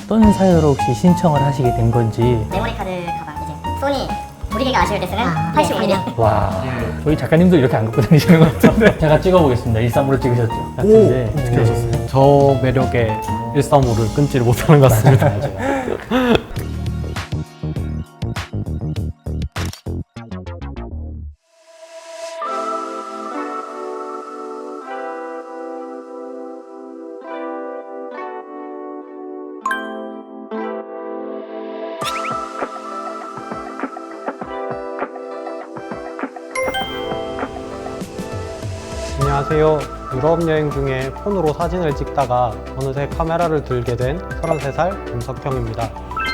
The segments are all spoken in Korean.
어떤 사유로 혹시 신청을 하시게 된 건지. 메모리 카드 가방 이제 소니 우리 개가 아쉬울 때 쓰는 85mm. 와, 저희 작가님도 이렇게 안 갖고 다니시는 것 같은데. 제가 찍어보겠습니다. 135로 찍으셨죠? 같은데. 어떻게 하셨어요? 저 매력에 135를 끊지를 못하는 것 같습니다. 맞아요. 안녕하세요. 유럽 여행 중에 폰으로 사진을 찍다가 어느새 카메라를 들게 된 33살 김석형입니다.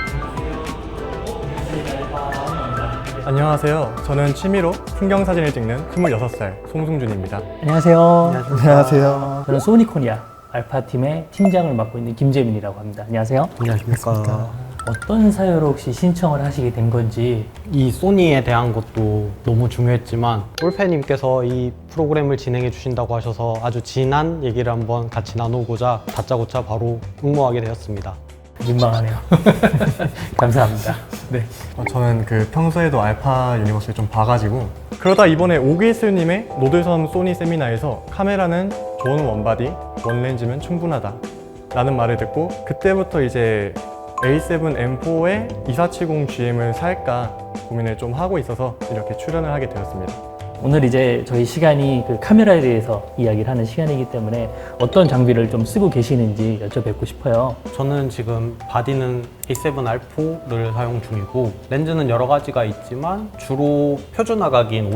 안녕하세요. 저는 취미로 풍경 사진을 찍는 26살 송승준입니다. 안녕하세요. 안녕하세요. 저는 소니코리아 알파팀의 팀장을 맡고 있는 김재민이라고 합니다. 안녕하세요. 안녕하십니까. 어떤 사유로 혹시 신청을 하시게 된 건지. 이 소니에 대한 것도 너무 중요했지만 올페님께서 이 프로그램을 진행해 주신다고 하셔서 아주 진한 얘기를 한번 같이 나누고자 다짜고짜 바로 응모하게 되었습니다. 민망하네요. 감사합니다. 네. 저는 평소에도 알파 유니버스를 좀 봐가지고 그러다 이번에 오기슬님의 노들섬 소니 세미나에서 카메라는 좋은 원바디, 원렌즈면 충분하다 라는 말을 듣고 그때부터 이제 A7M4의 2470GM을 살까 고민을 좀 하고 있어서 이렇게 출연을 하게 되었습니다. 오늘 이제 저희 시간이 카메라에 대해서 이야기를 하는 시간이기 때문에 어떤 장비를 좀 쓰고 계시는지 여쭤뵙고 싶어요. 저는 지금 바디는 A7R4를 사용 중이고 렌즈는 여러 가지가 있지만 주로 표준화각인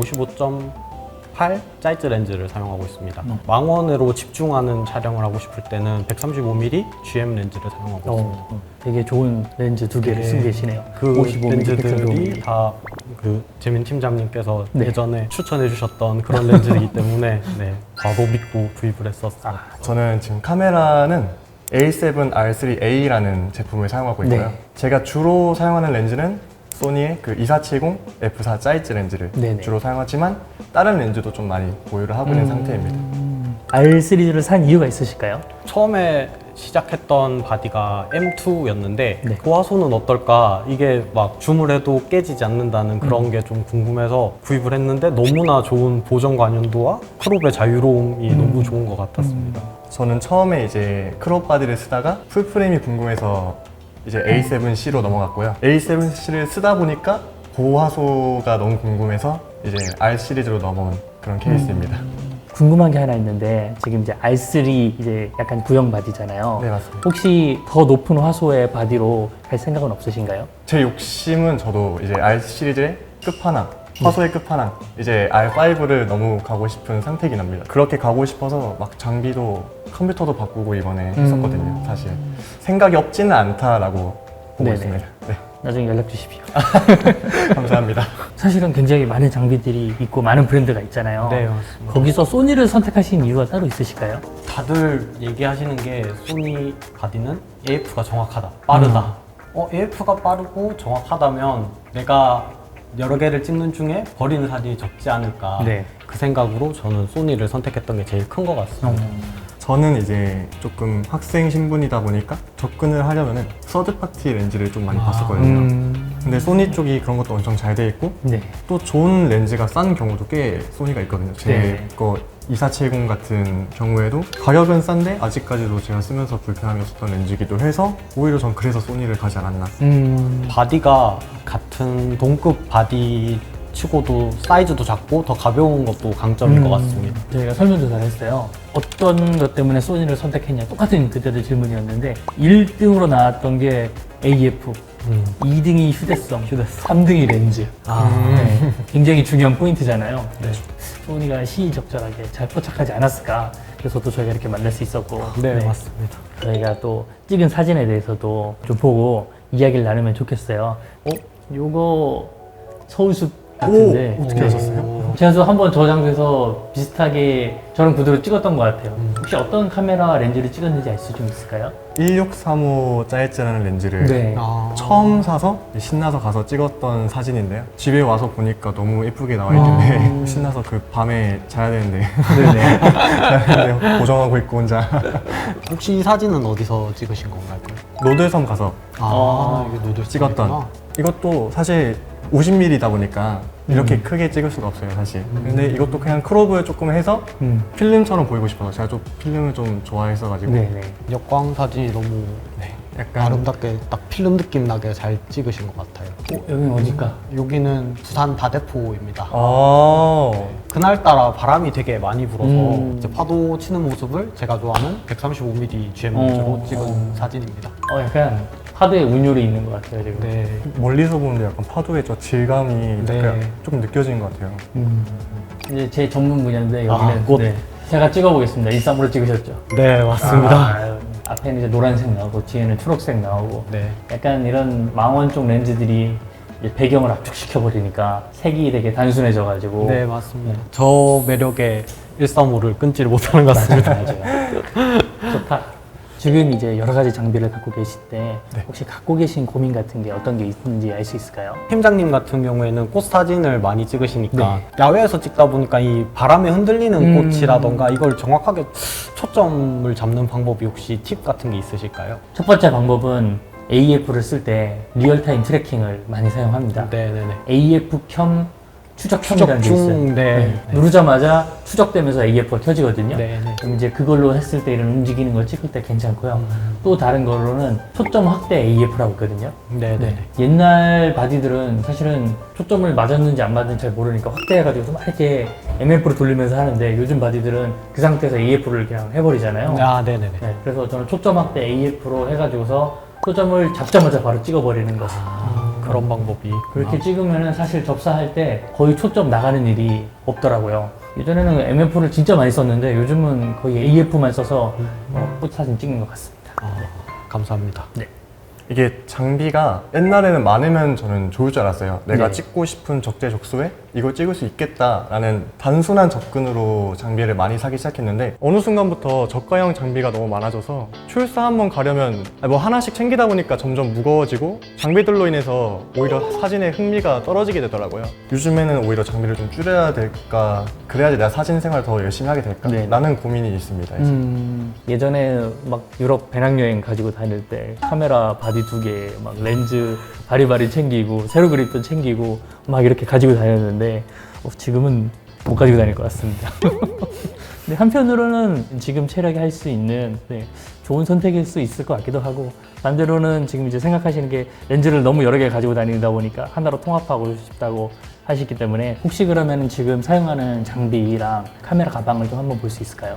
55.8 사이즈 렌즈를 사용하고 있습니다. 망원으로 집중하는 촬영을 하고 싶을 때는 135mm GM 렌즈를 사용하고 있습니다. 되게 좋은 렌즈 두 개를 쓰고 계시네요. 그 55mm, 렌즈들이 135mm. 다 재민 팀장님께서 네. 예전에 추천해 주셨던 그런 렌즈이기 때문에 바로 믿고 구입을 했었어요. 저는 지금 카메라는 A7R3A라는 제품을 사용하고 있고요. 네. 제가 주로 사용하는 렌즈는 소니의 2470 F4 사이즈 렌즈를 네네. 주로 사용하지만 다른 렌즈도 좀 많이 보유를 하고 있는 상태입니다. R3를 산 이유가 있으실까요? 처음에 시작했던 바디가 M2였는데 네. 그 화소는 어떨까? 이게 막 줌을 해도 깨지지 않는다는 그런 게 좀 궁금해서 구입을 했는데 너무나 좋은 보정 관련도와 크롭의 자유로움이 너무 좋은 것 같았습니다. 저는 처음에 이제 크롭 바디를 쓰다가 풀프레임이 궁금해서 이제 A7C로 넘어갔고요. A7C를 쓰다 보니까 고화소가 너무 궁금해서 이제 R 시리즈로 넘어온 그런 케이스입니다. 궁금한 게 하나 있는데 지금 이제 R3 이제 약간 구형 바디잖아요. 네, 맞습니다. 혹시 더 높은 화소의 바디로 갈 생각은 없으신가요? 제 욕심은 저도 이제 R 시리즈의 끝판왕, 화소의 끝판왕, 이제 R5를 너무 가고 싶은 상태이긴 합니다. 그렇게 가고 싶어서 막 장비도 컴퓨터도 바꾸고 이번에 했었거든요, 사실. 생각이 없지는 않다라고 보고 네네. 있습니다. 네, 나중에 연락 주십시오. 감사합니다. 사실은 굉장히 많은 장비들이 있고 많은 브랜드가 있잖아요. 네, 맞습니다. 거기서 소니를 선택하신 이유가 따로 있으실까요? 다들 얘기하시는 게 소니 바디는 AF가 정확하다, 빠르다. AF가 빠르고 정확하다면 내가 여러 개를 찍는 중에 버리는 사진이 적지 않을까. 네. 그 생각으로 저는 소니를 선택했던 게 제일 큰 것 같습니다. 저는 이제 조금 학생 신분이다 보니까 접근을 하려면은 서드파티 렌즈를 좀 많이 봤었거든요. 근데 소니 쪽이 그런 것도 엄청 잘 돼 있고 네. 또 좋은 렌즈가 싼 경우도 꽤 소니가 있거든요. 네. 제 거 2470 같은 경우에도 가격은 싼데 아직까지도 제가 쓰면서 불편함이 없었던 렌즈이기도 해서 오히려 전 그래서 소니를 가지 않았나. 바디가 같은 동급 바디 치고도 사이즈도 작고 더 가벼운 것도 강점인 것 같습니다. 저희가 설문조사를 했어요. 어떤 것 때문에 소니를 선택했냐, 똑같은 그때도 질문이었는데 1등으로 나왔던 게 AF, 2등이 휴대성, 3등이 렌즈. 네. 굉장히 중요한 포인트잖아요. 네. 소니가 시의적절하게 잘 포착하지 않았을까. 그래서 또 저희가 이렇게 만날 수 있었고. 네, 맞습니다. 저희가 또 찍은 사진에 대해서도 좀 보고 이야기를 나누면 좋겠어요. 요거 서울숲 같은데. 어떻게 하셨어요? 제가 또 한번 저 장소에서 비슷하게 저랑 구도로 찍었던 것 같아요. 혹시 어떤 카메라 렌즈를 찍었는지 알 수 좀 있을까요? 1635 짜이츠라는 렌즈를 네. 처음 사서 신나서 가서 찍었던 사진인데요. 집에 와서 보니까 너무 예쁘게 나와 있는데 신나서 그 밤에 자야 되는데 네네. 자야 되는데 고정하고 있고 혼자. 혹시 이 사진은 어디서 찍으신 건가요? 노들섬 가서 이게 노들 찍었던 이것도 사실 50mm다 보니까 이렇게 크게 찍을 수가 없어요 사실. 근데 이것도 그냥 크롭을 조금 해서 필름처럼 보이고 싶어서 제가 좀 필름을 좀 좋아했어가지고 네네. 역광 사진이 너무 약간 아름답게 딱 필름 느낌 나게 잘 찍으신 것 같아요. 여기는 어딜까? 여기는 부산 다대포입니다. 아 그날따라 바람이 되게 많이 불어서 이제 파도 치는 모습을 제가 좋아하는 135mm GM4로 찍은 사진입니다. 약간 파도에 운율이 있는 것 같아요 지금. 네. 멀리서 보는데 약간 파도의 저 질감이 네. 약간 조금 느껴지는 것 같아요. 이제 제 전문 분야인데 여기는 꽃. 네. 제가 찍어보겠습니다. 1.3으로 찍으셨죠? 네, 맞습니다. 앞에는 이제 노란색 나오고 뒤에는 초록색 나오고 네. 약간 이런 망원 쪽 렌즈들이 이제 배경을 압축시켜 버리니까 색이 되게 단순해져가지고 네, 맞습니다. 저 매력에 135를 끊지를 못하는 것 같습니다. 맞아요. 좋다. 지금 이제 여러 가지 장비를 갖고 계실 때 네. 혹시 갖고 계신 고민 같은 게 어떤 게 있는지 알 수 있을까요? 팀장님 같은 경우에는 꽃 사진을 많이 찍으시니까 야외에서 찍다 보니까 이 바람에 흔들리는 꽃이라던가 이걸 정확하게 초점을 잡는 방법이 혹시 팁 같은 게 있으실까요? 첫 번째 방법은 AF를 쓸 때 리얼타임 트래킹을 많이 사용합니다. 네네네. AF 켬 추적켬이라는 게 추적 있어요. 중, 네. 누르자마자 추적되면서 AF가 켜지거든요. 네, 네. 그럼 이제 그걸로 했을 때 이런 움직이는 걸 찍을 때 괜찮고요. 또 다른 걸로는 초점 확대 AF라고 있거든요. 네네. 옛날 바디들은 사실은 초점을 맞았는지 안 맞았는지 잘 모르니까 확대해가지고 막 이렇게 MF로 돌리면서 하는데 요즘 바디들은 그 상태에서 AF를 그냥 해버리잖아요. 아, 네네네. 네, 그래서 저는 초점 확대 AF로 해가지고서 초점을 잡자마자 바로 찍어버리는 거죠. 그런 방법이. 그렇게 찍으면은 사실 접사할 때 거의 초점 나가는 일이 없더라고요. 예전에는 MF를 진짜 많이 썼는데 요즘은 거의 AF만 써서 꽃 사진 찍는 것 같습니다. 감사합니다. 이게 장비가 옛날에는 많으면 저는 좋을 줄 알았어요. 내가 네. 찍고 싶은 적재적소에 이걸 찍을 수 있겠다라는 단순한 접근으로 장비를 많이 사기 시작했는데 어느 순간부터 저가형 장비가 너무 많아져서 출사 한번 가려면 뭐 하나씩 챙기다 보니까 점점 무거워지고 장비들로 인해서 오히려 사진의 흥미가 떨어지게 되더라고요. 요즘에는 오히려 장비를 좀 줄여야 될까, 그래야지 내가 사진 생활 더 열심히 하게 될까 네. 라는 고민이 있습니다. 이제. 예전에 막 유럽 배낭여행 가지고 다닐 때 카메라 바디 2개, 막 렌즈 바리바리 챙기고 세로 그립도 챙기고 막 이렇게 가지고 다녔는데 지금은 못 가지고 다닐 것 같습니다. 근데 한편으로는 지금 체력이 할 수 있는 좋은 선택일 수 있을 것 같기도 하고 반대로는 지금 이제 생각하시는 게 렌즈를 너무 여러 개 가지고 다니다 보니까 하나로 통합하고 싶다고 하시기 때문에 혹시 그러면 지금 사용하는 장비랑 카메라 가방을 좀 한번 볼 수 있을까요?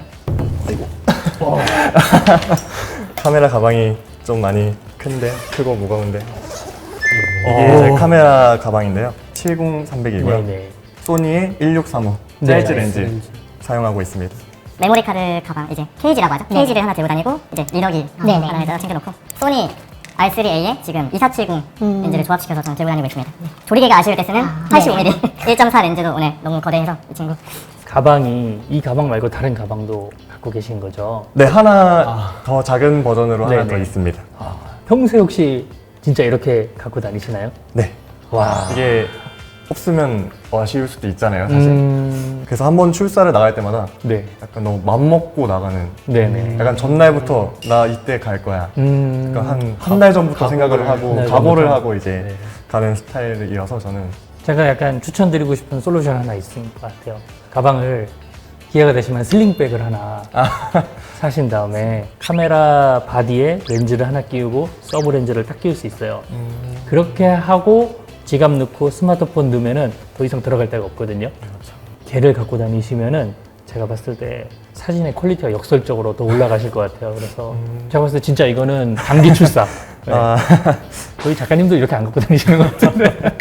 카메라 가방이 좀 많이 큰데, 크고 무거운데 이게 제 카메라 가방인데요. 70300이고요. 네네. 소니의 1635 네, 사이즈 나이스. 렌즈 사용하고 있습니다. 메모리 카드 가방 이제 케이지라고 하죠. 케이지를 하나 들고 다니고 이제 리더기 하나에다가 챙겨놓고 소니 R3A에 지금 2470 렌즈를 조합시켜서 저는 들고 다니고 있습니다. 조리개가 아쉬울 때 쓰는 85mm 1.4 렌즈도 오늘 너무 거대해서 이 친구 가방이 이 가방 말고 다른 가방도 갖고 계신 거죠? 네, 하나 더 작은 버전으로 하나 네네. 더 있습니다. 평소에 혹시 진짜 이렇게 갖고 다니시나요? 네. 와. 이게 없으면 아쉬울 수도 있잖아요, 사실. 그래서 한번 출사를 나갈 때마다 네. 약간 너무 맘먹고 나가는, 네네. 약간 전날부터 나 이때 갈 거야. 그러니까 한 달 전부터 생각을 하고 한달 각오를 전부터. 하고 이제 가는 스타일이어서 저는 제가 약간 추천드리고 싶은 솔루션 하나 있을 것 같아요. 가방을 기회가 되시면 슬링백을 하나 사신 다음에 카메라 바디에 렌즈를 하나 끼우고 서브 렌즈를 딱 끼울 수 있어요. 그렇게 하고 지갑 넣고 스마트폰 넣으면은 더 이상 들어갈 데가 없거든요. 걔를 갖고 다니시면은 제가 봤을 때 사진의 퀄리티가 역설적으로 더 올라가실 것 같아요. 그래서 제가 봤을 때 진짜 이거는 단기 출사. 네. 저희 작가님도 이렇게 안 갖고 다니시는 것 같은데.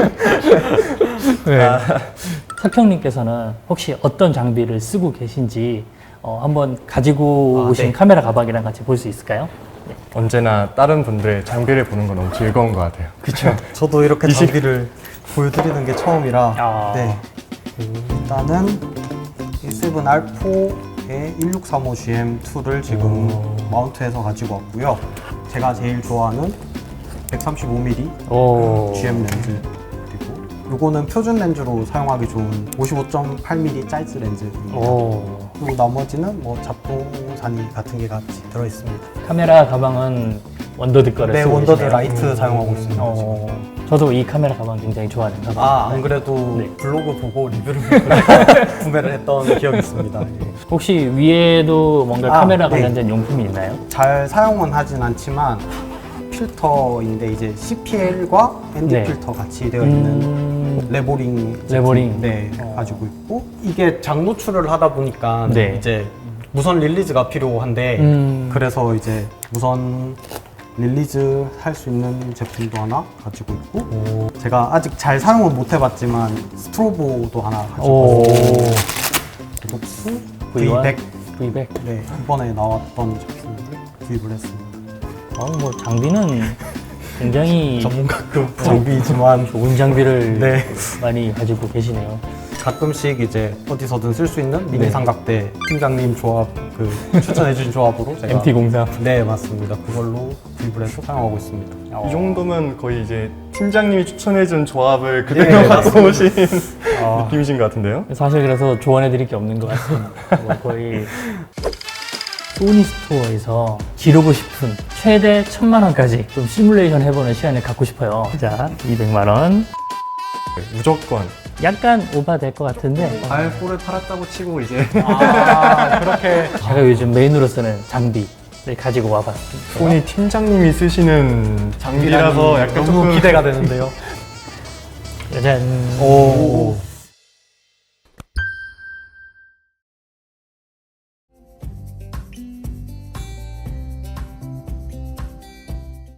네. 석형님께서는 혹시 어떤 장비를 쓰고 계신지 한번 가지고 오신 카메라 가방이랑 같이 볼 수 있을까요? 언제나 다른 분들의 장비를 보는 건 너무 즐거운 것 같아요. 그렇죠. 저도 이렇게 장비를 보여드리는 게 처음이라 아. 네. 일단은 A7R4의 1635GM2를 지금 마운트해서 가지고 왔고요. 제가 제일 좋아하는 135mm 오. GM 렌즈, 그리고 요거는 표준 렌즈로 사용하기 좋은 55.8mm 사이즈 렌즈입니다. 오. 그리고 나머지는 뭐 잡동사니 같은 게 같이 들어있습니다. 카메라 가방은 원더드 거를 네, 쓰고 원더드 계시네요. 라이트 사용하고 있습니다. 저도 이 카메라 가방 굉장히 좋아하는 가방. 안 그래도 네. 블로그 보고 리뷰를 보고 구매를 했던 기억이 있습니다. 예. 혹시 위에도 뭔가 카메라 네. 관련된 용품이 있나요? 잘 사용은 하진 않지만 필터인데 이제 CPL과 ND 네. 필터 같이 되어 있는 레보링 제품, 레보링. 네, 가지고 있고 이게 장 노출을 하다 보니까 네. 이제 무선 릴리즈가 필요한데 그래서 이제 무선 릴리즈 할 수 있는 제품도 하나 가지고 있고 제가 아직 잘 사용은 못 해봤지만 스트로보도 하나 가지고 오. 있고 녹스 V100 V100. 네, 이번에 나왔던 제품을 구입을 했습니다. 뭐 장비는 굉장히 전문가급 장비이지만 좋은 장비를 네. 많이 가지고 계시네요. 가끔씩 이제 어디서든 쓸 수 있는 미니 네. 삼각대 팀장님 조합 추천해주신 조합으로 제가 MT03. 네 맞습니다. 그걸로 구입을 해서 사용하고 있습니다. 이 정도면 거의 이제 팀장님이 추천해준 조합을 그대로 네, 갖고 오신 아. 느낌이신 것 같은데요? 사실 그래서 조언해드릴 게 없는 것 같습니다. 뭐 거의 소니 스토어에서 기르고 싶은 최대 1,000만 원까지 좀 시뮬레이션 해보는 시간을 갖고 싶어요. 자, 200만 원. 무조건 약간 오바될 것 같은데 알코올을 팔았다고 치고 이제 그렇게 제가 요즘 메인으로 쓰는 장비를 가지고 와봤습니다. 소니 팀장님이 쓰시는 장비라서 약간 너무 조금 기대가 되는데요. 짜잔. 오.